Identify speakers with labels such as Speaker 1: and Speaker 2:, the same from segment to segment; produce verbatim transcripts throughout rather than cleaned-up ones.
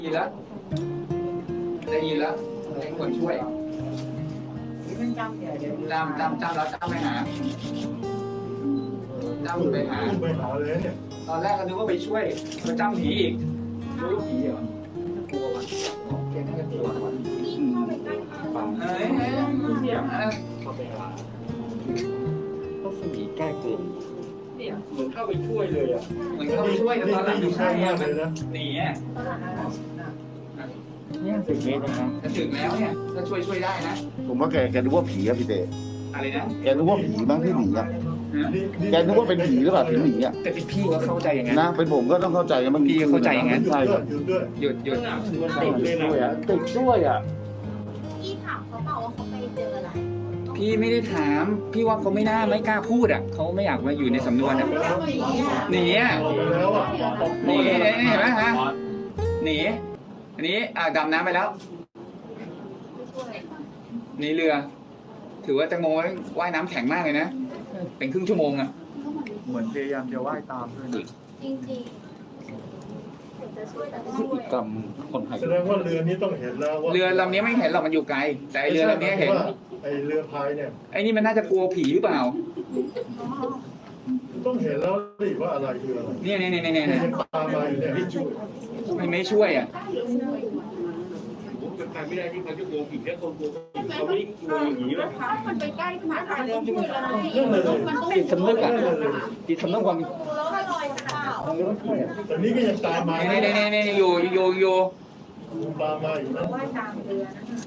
Speaker 1: ยินแล้วได้ยินแล้วให้คนช่วยจำจำจำแล้วจำไปหาจำไปหา
Speaker 2: ไปหาเลยเนี่ย
Speaker 1: ตอนแรกก็นึกว่าไปช่วยมาจำผีอีกรู้ผีเหรอ กลัวมันแกน่าจะกลัวมันเฮ้ยเฮ้ยเสียงอะไร
Speaker 3: ก็คือผีแก้กลุ่ม
Speaker 1: เนี่ยเหมือนเข้าไปช่วยเลยอ่ะเหมือนเข้าไปช่วยแต่ตอนหลัง
Speaker 2: อยู่
Speaker 1: ไม่
Speaker 2: ข้า
Speaker 1: ใช่
Speaker 2: ง
Speaker 1: อ่ะ
Speaker 2: มาก
Speaker 1: มัน
Speaker 2: เลยนะ
Speaker 1: หนีอ่ะ
Speaker 3: เนี่ยสิบเมตรนะครับ
Speaker 1: จะถึงแล้วเนี่ยถ้าช่วยช่วยได้นะ
Speaker 4: ผมว่าแกแกนึกว่าผีอะพี่เต้
Speaker 1: อะไรนะ
Speaker 4: แกนึกว่าผีบ้างที่หนีอะ
Speaker 2: นี่
Speaker 4: แกนึกว่าเป็นผีหรือเปล่าถึงหนีอะ
Speaker 1: แต่เป็นพี่ก็เข้าใจอย่างนั้น
Speaker 4: นะเป็นผมก็ต้องเข้าใจกันบางที
Speaker 1: พี่เข้าใจอย่างนั้น
Speaker 2: หยุด
Speaker 4: ใช่
Speaker 2: ด้
Speaker 4: คว รับ
Speaker 2: ยหยุดด้วย
Speaker 1: หยุดหยุด
Speaker 3: ติดด้วยอ่ะติดด้วยอ่ะ
Speaker 5: พี่ถามเขาเปล่าว่าเขาไปเจออะไร
Speaker 1: พี่ไม่ได้ถามพี่ว่าเขาไม่น่าไม่กล้าพูดอ่ะเขาไม่อยากมาอยู่ในสำนวนอ่ะหนีอ่ะ
Speaker 2: ออกไปแล้วอ่ะ
Speaker 1: หนีเห็นไหมฮะหนีอันนี้อ่าดำน้ำไปแล้วหนีเรือ ถือว่าแตงโมว่ายน้ำแข็งมากเลยนะเป็นครึ่งชั่วโมงอ่ะ
Speaker 3: เหมือนพยายามจะว่ายตามด้วยนะ
Speaker 5: จริงๆจะช่วยแต่
Speaker 3: พฤติกรรมคนไทย
Speaker 2: แสดงว่าเรือนี้ต้องเห็นแล้วว่า
Speaker 1: เรือลำนี้ไม่เห็นหรอกมันอยู่ไกลแต่ไอ้เรือลำนี้เห็น
Speaker 2: ไอเรือพายเนี่ย
Speaker 1: ไอ้นี่มันน่าจะกลัวผีหรือเปล่า
Speaker 2: ต้องเห็นแล้วดิว่าอะไรคืออะไร
Speaker 1: เนี่ยเนี่ยเนี่ยเนี่ย
Speaker 2: ยังตามมาอยู่เนี่ย
Speaker 1: ไม่ไม่ช่วยอ่ะ
Speaker 6: ไม่ได้ที่เขาจะกลัวผีแค่คนกลัวผีเขาไม่ได้กลัวอย่างนี้หรอก
Speaker 5: มันไปใกล้ขนาดนั้นต้องช่วยอะไร
Speaker 2: เรื่องเลย
Speaker 5: มันต้อง
Speaker 1: จิตสำนึกอ่ะจิตสำนึกความ
Speaker 5: แล้วก็ลอยเปล่า
Speaker 2: แต่นี่ก็ยังตามมา
Speaker 1: เนี่ยเนี่ยเนี่ยเนี่ยอยู่อยู่อยู่
Speaker 2: ตามมาอยู่นะ
Speaker 5: ว่ายตามเรือ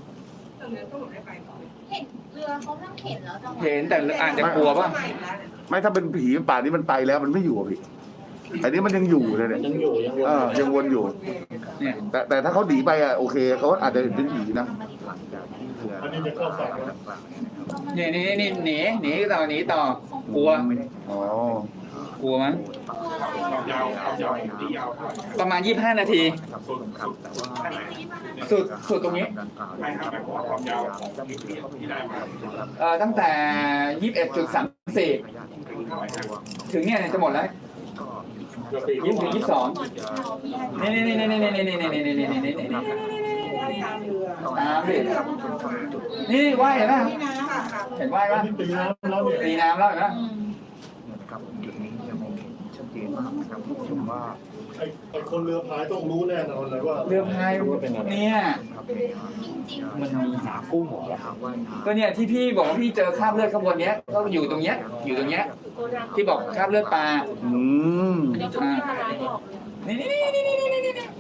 Speaker 5: เห็นเรือเขาทั้งเห็นแล้วจังหวะ
Speaker 1: เห็นแต่อาจจะกลัวป่ะ
Speaker 4: ไม่ถ้าเป็นผีป่านนี้มันไปแล้วมันไม่อยู่อะพี่อันนี้มันยังอยู่เลยเนี่ย
Speaker 3: ยังอยู่ยังวน
Speaker 4: เออยังวนอยู่
Speaker 1: เนี่ย
Speaker 4: แต่แต่ถ้าเขาหนีไปอะโอเคเขาอาจจะเป็นผีนะ
Speaker 2: อันนี้จะเข้าฝั่งแล้ว
Speaker 1: เนี่ยนี่นี่หนีหนีต่อหนีต่อกลัว
Speaker 4: อ๋อก
Speaker 1: ลัวมั้ย
Speaker 6: ยาวเอายาวที่ยาวเท่าไหร่
Speaker 1: ประมาณยี่สิบห้านาที สุดสุดตรงนี้
Speaker 6: ไม่ครับแต่ความยาวของที่ที่ได้มา
Speaker 1: เอ่อตั้งแต่ยี่สิบเอ็ดจุดสามสี่ถึงเนี่ยจะหมดแล้ว
Speaker 6: เกือบปี
Speaker 1: ยี่สิบยี่สิบสองนี่นี่นี่นี่นี่นี่นี่นี่นี่นี่นี่นี่นี่ตามดินี่ว่ายเห็นไหมเห็นว่าย
Speaker 2: อั
Speaker 1: ป่ะ
Speaker 2: นนี้ตีน้ำแล้วเนี่ย
Speaker 1: ตีน้ำแล้วเห็นไหม
Speaker 3: นะครับจุดนี้จะมองเห็นชัดเจนมากนะครับชมว่า
Speaker 2: ไอ้ไอ้คนเรือพายต้องรู้แน่นอนเลยว่า
Speaker 1: เรือพายเนี่ย
Speaker 3: มันมีหากุ้งเหรอครับว่ายน้
Speaker 1: ก็เนี่ยที่พี่บอกว่าพี่เจอคราบเลือดข้างบนเนี้ยก็อยู่ตรงเนี้ยอยู่ตรงเนี้ยที่บอกคราบเลือดปลา
Speaker 4: อืม
Speaker 1: อ่านี่นี่นี่นี่นี่นี่นี่นี่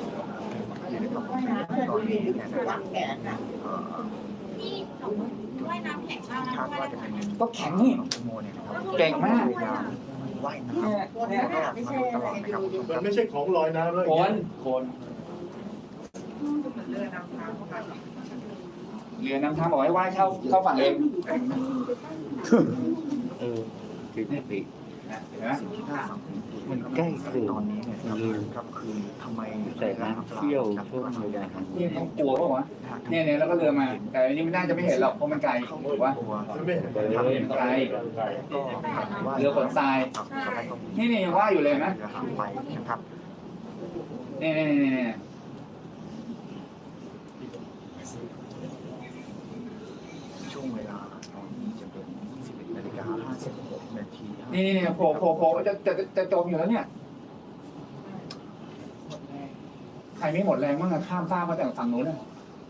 Speaker 5: ที่ว่ายน้ำแข็งมากนะ
Speaker 3: คาด
Speaker 5: ว่าย
Speaker 3: ว่าจะ
Speaker 5: น้ำ
Speaker 3: เป็น
Speaker 5: แข็ง
Speaker 1: ก็แข็งนี่
Speaker 3: น้องแตงโมเนี่ยนะครับ
Speaker 1: เก่งมาก
Speaker 3: พยายามว่ายน้ำ
Speaker 1: เนี่ยเนี่ย
Speaker 3: ไม่ใช่อะไรนะครับ
Speaker 2: มันไม่ใช่ของลอยน้ำแล้ว
Speaker 1: คน
Speaker 3: คน
Speaker 1: เรือน้ำทางบอกให้ว่ายเข้าเข้าฝั่งเอง
Speaker 3: เออคือแน่ปี
Speaker 1: นะเห็นไหม
Speaker 3: มันใกล้เกินตอนนี้เนี่ยครับคือทำไมแต่น้ำเที่ยวช่วงเวลาทาง
Speaker 1: นี่เขากลัวป่าวะเนี่ยเนี่ยแล้วก็เรือมา แต่อันนี้มันน่าจะไม่เห็นหรอกเพราะมันไกลถูกปะ
Speaker 2: ไม่เห็น
Speaker 1: เออมันไกล
Speaker 3: ก็
Speaker 1: เรือขนทราย นี่นี่ยังว่ายอยู่เลยไหม
Speaker 3: เรือหางไปนะครับ
Speaker 1: นี่นี่นี่นี่
Speaker 3: ช่วงเวลาตอนนี้จะเป็นยี่สิบเอ็ดนาฬิกาห้าสิบหกนาที
Speaker 1: นี่นี่โผล่โผล่โผล่จะจะจะจมอยู่แล้วเนี่ยใครไม่หมดแรงบ้างอะข้ามฟากมาแต่ฝั่งนู้นอะ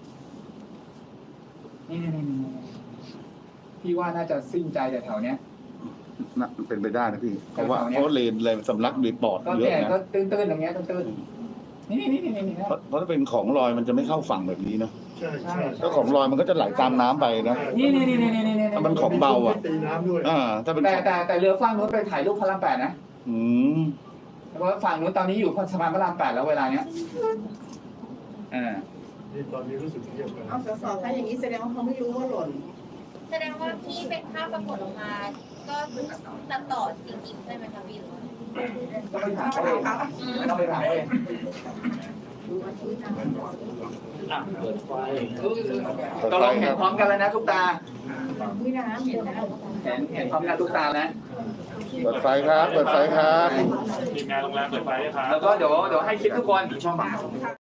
Speaker 1: นี่นี่นี่นี่พี่ว่าน่าจะสิ้นใจแต่แถวเนี้ย
Speaker 4: น่ะเป็นไปได้นะพี่เพราะว่าเพราะเลนเลยสำลักด้วยปอด
Speaker 1: ก็
Speaker 4: เย
Speaker 1: เนี่ย
Speaker 4: อะนะ
Speaker 1: ก็ตื้นๆอย่างเงี้ยตื้นๆนี่นี่นี่นี่นี่
Speaker 4: เพราะเพราะถ้าเป็นของลอยมันจะไม่เข้าฝั่งแบบนี้เนาะ
Speaker 2: ใช่ใช่
Speaker 4: ถ้าของลอยมันก็จะไหลตามน้ำไปนะ
Speaker 1: นี่นี่นี่นี่นี่นี่
Speaker 4: ถ้ามันของเบาอ่ะ
Speaker 2: ตีน้ำด้วย
Speaker 4: อ่า ถ้าเป็น
Speaker 1: แต่
Speaker 4: ของ
Speaker 1: แต่แต่เรือฝั่งนู้นไปถ่ายรูปพระรามแปดนะ
Speaker 4: อืม
Speaker 1: เพราะว่าฝั่งนู้นตอนนี้อยู่สะพานพระรามแปดแล้วเวลาเนี้ยอ่า
Speaker 2: นี่ตอนนี้รู้สึกเงียบไป
Speaker 7: เอาสสถ้าอย่างนี้แสดงว่าเขาไม่รู้ว่าหล่น
Speaker 5: แสดงว่าที่เป็นภาพปรากฏออกมา ก็ตัดต่อจริงๆใช่ไหมคะพี่หรือว่า
Speaker 1: ต้องไปถามเขาเองต้องไปถามเขาเอง
Speaker 3: เปิดไฟ
Speaker 1: ตกลงเห็นพร้อมกันแล้วนะทุกตา
Speaker 7: วิน้ำเห็นนะ
Speaker 1: เห็นเห็นพร้อมกันทุกตาแล้ว
Speaker 4: เปิดไฟครับ เปิดไฟครับ
Speaker 6: ทีมงานโรงแรมเปิดไฟให้ครับ
Speaker 1: แล้วก็เดี๋ยวเดี๋ยวให้คลิปทุกคน
Speaker 6: ช่อง